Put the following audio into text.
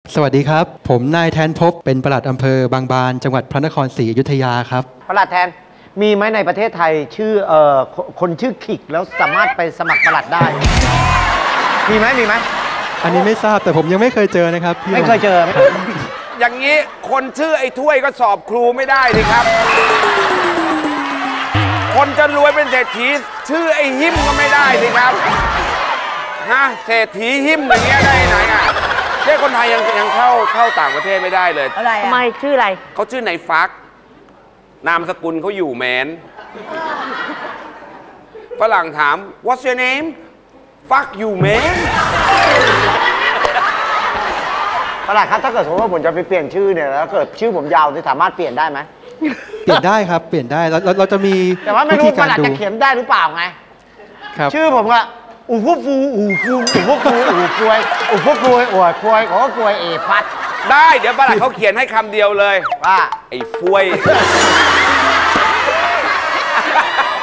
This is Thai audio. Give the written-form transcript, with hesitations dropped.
สวัสดีครับผมนายแทนภพเป็นปลัดอำเภอบางบานจังหวัดพระนครศรีอยุธยาครับปลัดแทนมีไหมในประเทศไทยชื่อคนชื่อขิกแล้วสามารถไปสมัครปลัดได้มีไหมอันนี้ไม่ทราบแต่ผมยังไม่เคยเจอนะครับพี่ไม่เคยเจออย่างนี้คนชื่อไอ้ถ้วยก็สอบครูไม่ได้ดิครับ คนจะรวยเป็นเศรษฐีชื่อไอ้หิมก็ไม่ได้ดิครับฮะเศรษฐีหิมอย่างเงี้ยได้ไหนอ่ะเด็กคนไทยยังเข้าต่างประเทศไม่ได้เลยอะไรทำไมชื่ออะไรเขาชื่อไหนฟักนามสกุลเขาอยู่แมนฝรั่งถาม What's your name Fuck you man ปลัดครับถ้าเกิดสมมติว่าผมจะไปเปลี่ยนชื่อเนี่ยแล้วเกิดชื่อผมยาวจะสามารถเปลี่ยนได้ไหมเปลี่ยนได้ครับเปลี่ยนได้เราจะมีแต่ว่าไม่รู้ปลัดจะเขียนได้หรือเปล่าไงครับชื่อผมอะอู่ฟูฟูอู่ฟูอู่ฟูฟูอู่ฟวยอู่ฟูฟูอวดฟวยโอ้ฟวยเอฟัดได้เดี๋ยวปลัดเขาเขียนให้คำเดียวเลยว่าไอ้ฟวย